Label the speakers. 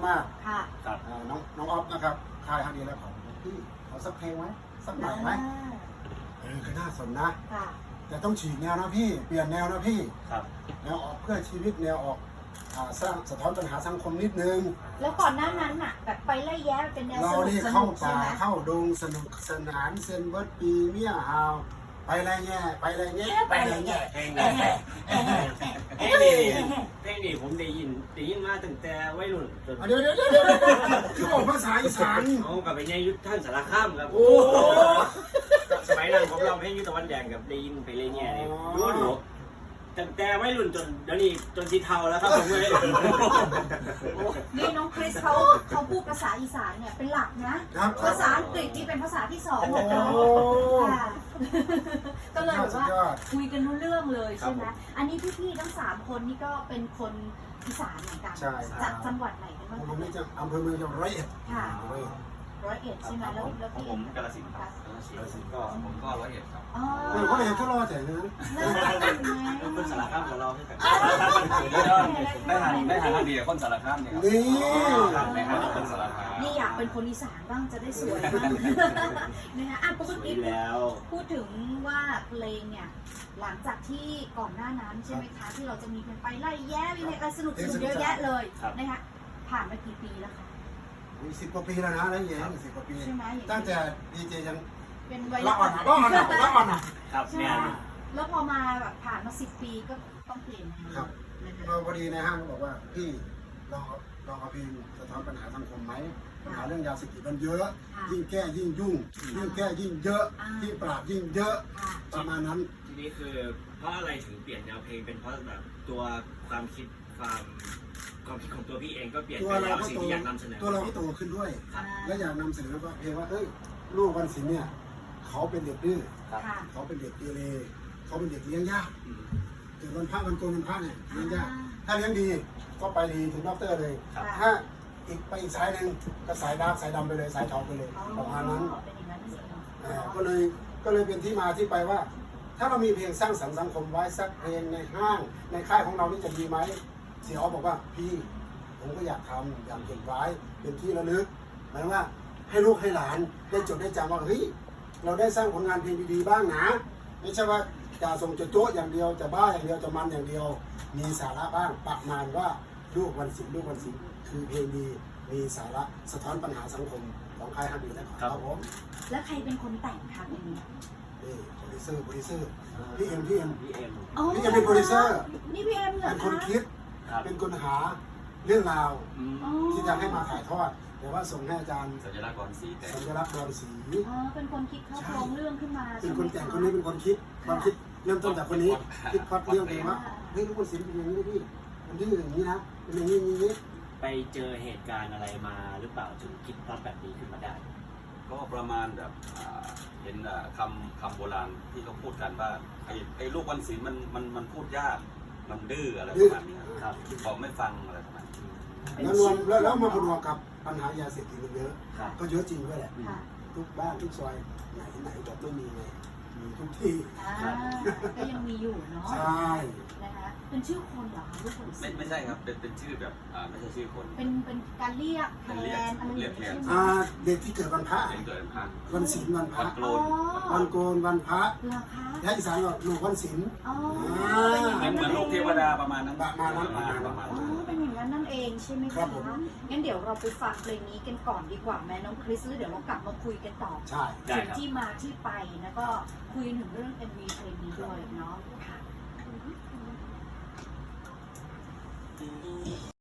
Speaker 1: มาก
Speaker 2: ค่ะ
Speaker 3: ครับ
Speaker 1: น้องออฟนะครับค่ายฮันดีแล้วของพี่เอาสักเพลงไหมสักหน่อยไหมก็น่าสนนะ
Speaker 2: ค่ะ
Speaker 1: แต่ต้องฉีกแนวนะพี่เปลี่ยนแนวนะพี่
Speaker 3: ครับ
Speaker 1: แนวออกเพื่อชีวิตแนวออกสร้างสะท้อนปัญหาสังคมนิดนึง
Speaker 2: แล้วก่อนหน้านั้นน่ะแบบไปไล่แย้เป็นแนว
Speaker 1: เรา
Speaker 2: สนุก
Speaker 1: นี่
Speaker 2: ส
Speaker 1: เข้า
Speaker 2: นุกใช่
Speaker 1: ป่า
Speaker 2: ไหม
Speaker 1: เข้าดงสนุกสนานเซนเบิร์ดปีเมียฮาวไปไรแง่ไปไรแง่ไปไรแง่
Speaker 3: เพลงนี้เพลงนี้ผมได้ยินมาตั้งแต่วัยรุ่นจน
Speaker 1: เดี๋ยวคือบอกภาษาอีสาน
Speaker 3: เขากับไปเนี่ยยุทธท่านสารคามครับ
Speaker 1: โอ้
Speaker 3: สมัยนั้นผมร้องเพลงยุทธตะวันแดงกับได้ยินไปเลยเนี่ยดูตั้งแต่วัยรุ่นจนเดี๋ยวนี้จนสีเทาแล้วครับผมเลย
Speaker 2: นี่น้องคริสเขาพูดภาษาอีสานเนี่ยเป็นหลักนะ
Speaker 1: ครับ
Speaker 2: ภาษาอังกฤษนี่เป็นภาษาที่สอง
Speaker 1: โอ้
Speaker 2: ค่ะก็เลยแบบ
Speaker 1: สุด
Speaker 2: ว่าย
Speaker 1: อด
Speaker 2: คุยกันรู้เรื่องเลยใช่ไหมอันนี้พี่ๆทั้ง3คนนี่ก็เป็นคนอีสานเหมือนกัน
Speaker 1: ใช่
Speaker 2: จากจังหวัดไหนกันบ้าง
Speaker 1: ผมนี่จะอำเภอเมืองจังหวัดร้อยเอ็ด
Speaker 2: ค่ะ
Speaker 1: ร้อยเอ็ด
Speaker 2: 101ใช่ไหมแล้ว
Speaker 4: ของ
Speaker 2: พี่
Speaker 4: ผมกาฬสินธุ์ครับกาฬสินธุ์ก็ผมก็101ครับ
Speaker 2: อ๋อ
Speaker 1: เขาเห็นก็รอแต่นั้น
Speaker 3: คนสารคามกับเราด้วยกัน
Speaker 4: ได้ทางดีกับคนสารคามเนี่ยครับ
Speaker 1: นี่
Speaker 4: ในทางคนสารคาม
Speaker 2: นี่อยากเป็นคนอีสานบ้างจะได้สวยบ้างนะคะอ่ะปกติ
Speaker 3: แล้ว
Speaker 2: พูดถึงว่าเพลงเนี่ยหลังจากที่ก่อนหน้านั้นใช่ไหมคะที่เราจะมีกันไปไล่แย้มีอะไรสนุกเยอะแยะเลยนะคะผ่านมากี่ปีแล้วคะ
Speaker 1: มี10 กว่าปีแล้วนะแล้วอย่างนี้10 กว่าปี
Speaker 2: ใช่ไหม
Speaker 1: ตั้งแต่ดีเจยัง
Speaker 2: เป็นวัย
Speaker 1: ละ
Speaker 2: รุ่
Speaker 1: อ่อนละอ่อนอ่ะ
Speaker 3: ครับ
Speaker 2: ใช่
Speaker 3: เนี่ย
Speaker 2: แล้วพอมาแบบผ่านมา10 ปีก็ต้องเปลี่ยน
Speaker 1: ครับ
Speaker 2: นะคะ
Speaker 1: เราพอดีในห้างบอกว่าพี่ลองเอาเพลงสะท้อนปัญหาสังคมไหมปัญหาเรื่องยาเสพติดมันเยอะ ยิ่งแก้ยิ่งยุ่งยิ่งแก้ยิ่งเยอะยิ่งปราบยิ่งเยอะ
Speaker 2: ค่ะ
Speaker 1: ประมาณนั้น
Speaker 3: ทีนี้คือเพราะอะไรถึงเปลี่ยนแนวเพลงเป็นเพราะแบบตัวความคิดความคิดของตัวพี่เองก็เปลี่ยน
Speaker 1: ตัว
Speaker 3: ไป
Speaker 1: เรา
Speaker 3: แล้ว
Speaker 1: ก็
Speaker 3: สิ่ง
Speaker 1: โต
Speaker 3: ที่อยากนำเสนอ
Speaker 1: ตัวเราก็โตขึ้นด้วย
Speaker 2: ค่ะ
Speaker 1: และอยากนำเสนอว่าเพลงว่าเอ้ยลูกวันศิลป์เนี่ยเขาเป็นเด็กดื้อ
Speaker 2: ค่ะ
Speaker 1: เขาเป็นเด็กเกเรเขาเป็นเด็กเลี้ยงยากเกิดวันพระวันโกนวันพระเนี่ยเลี้ยงยากถ้าเลี้ยงดีก็ไปดีถึงด็อกเตอร์เลย ถ้าไปอีกสายหนึ่งก็สายดาร์กสายดำไปเลยสายเทาไปเลยประมาณนั้น
Speaker 2: เป็นอย่างนั้นจริงๆ
Speaker 1: ก็เลยเป็นที่มาที่ไปว่า ถ้าเรามีเพลงสร้างสรรค์สังคมไว้สักเพลงในห้างในค่ายของเรานี่จะดีไหมเสียอ๋อบอกว่าพี่ผมก็อยากทำอยากเก็บไว้เป็นที่ระลึกหมายว่าให้ลูกให้หลานได้จดได้จำว่าเฮ้ยเราได้สร้างผลงานเพลงดีๆบ้างนะไม่ใช่ว่าจะส่งจะโจ๊ะอย่างเดียวจะบ้าอย่างเดียวจะมันอย่างเดียว มีสาระบ้างประมาณว่าลูกวันศิลป์ลูกวันศิลป์คือเพลงดีมีสาระสะท้อนปัญหาสังคมของค่ายฮันดีนะครับผม
Speaker 2: แล้วใครเป็นคนแต่งคะเพลงนี้
Speaker 1: นี่โปรดิวเซอร์พี่เอ็มพี่เอ็ม
Speaker 3: พี่เอ็ม
Speaker 2: อ๋อ
Speaker 1: พี่จะเป็นโปรดิวเซอร์
Speaker 2: นี่พี่เอ็มเหรอ
Speaker 1: เป็น
Speaker 2: คะ
Speaker 1: คนคิด
Speaker 3: ครับ
Speaker 1: เป็นคนหาเรื่องราว
Speaker 2: อ๋อ
Speaker 1: ที่จะให้มาถ่ายทอดแต่ว่าส่งให้อาจารย์
Speaker 4: สัญลักษณ์บอลสีแต่
Speaker 1: สัญลักษณ์บอลสี
Speaker 2: อ๋อเป็นคนคิดเข้าโครงเรื่องขึ้นมา
Speaker 1: เป็นคนแต่งคนนี้เป็นคนคิดความคิดเริ่มต้นจากคนนี้คิดพล็อดเรื่องเองว่าเฮ้ยลูกบอลสีเป็นอย่างนี้พี่มันดื้ออย่างนี้นะเป็นอย่างนี้อย่างนี้
Speaker 3: ไปเจอเหตุการณ์อะไรมาหรือเปล่าถึงคิดพล็อตแบบนี้ขึ้นมาได้
Speaker 4: ก็ประมาณแบบเห็นคำโบราณที่เขาพูดกันว่าไอ้ลูกวันศิลป์มันพูดยากมันดื้ออะไรประมาณนี้ครับบอกไม่ฟังอะไรประมาณนี้
Speaker 1: แล้วรวมแล้วมาประกอบกับปัญหายาเสพติดมันเยอะ
Speaker 3: ครับ
Speaker 1: ก็เยอะจริงด้วยแหละ
Speaker 2: ค่ะ
Speaker 1: ทุกบ้านทุกซอยไหนแบบไม่มีเลยมีทุกที่
Speaker 2: ก็ยังมีอยู่เนาะ
Speaker 1: ใช่
Speaker 2: นะคะเป็นชื่อคนเหรอคะลูกคน
Speaker 4: ไม่ใช่ครับเป็นชื่อแบบไม่ใช่ชื่อคน
Speaker 2: เป็นการเรียกแทนอะไรอย่างเงี้ยใช่ไหม
Speaker 1: เด็กที่เกิดวันพระ
Speaker 4: เห็นเกิดพัน
Speaker 1: วันศีลวันพ
Speaker 4: วั
Speaker 1: ระ
Speaker 4: นโกลน
Speaker 1: วันโกนวันพระ
Speaker 2: เหรอคะ
Speaker 1: และอีสานก็ลูกวันศีล
Speaker 2: อ๋อ
Speaker 4: เหมือนลูกเทวดาประมาณนั้น
Speaker 1: ประมาณนั้น
Speaker 4: ประมาณ
Speaker 2: อ๋อ
Speaker 4: นั้น
Speaker 2: เป็นอย่างนั้นนั่นเองใช่ไหม
Speaker 1: ครั
Speaker 2: คะ
Speaker 1: บผม
Speaker 2: งั้นเดี๋ยวเราไปฟังเพลงนี้กันก่อนดีกว่าแม่น้องคริสแล้วเดี๋ยวเรากลับมาคุยกันต่อ
Speaker 1: ใช่
Speaker 3: ได้
Speaker 2: ถึง
Speaker 3: ครับ
Speaker 2: ที่มาที่ไปแล้วก็คุยถึงเรื่อง MV เพลงนี้ด้วยเนาะค่ะ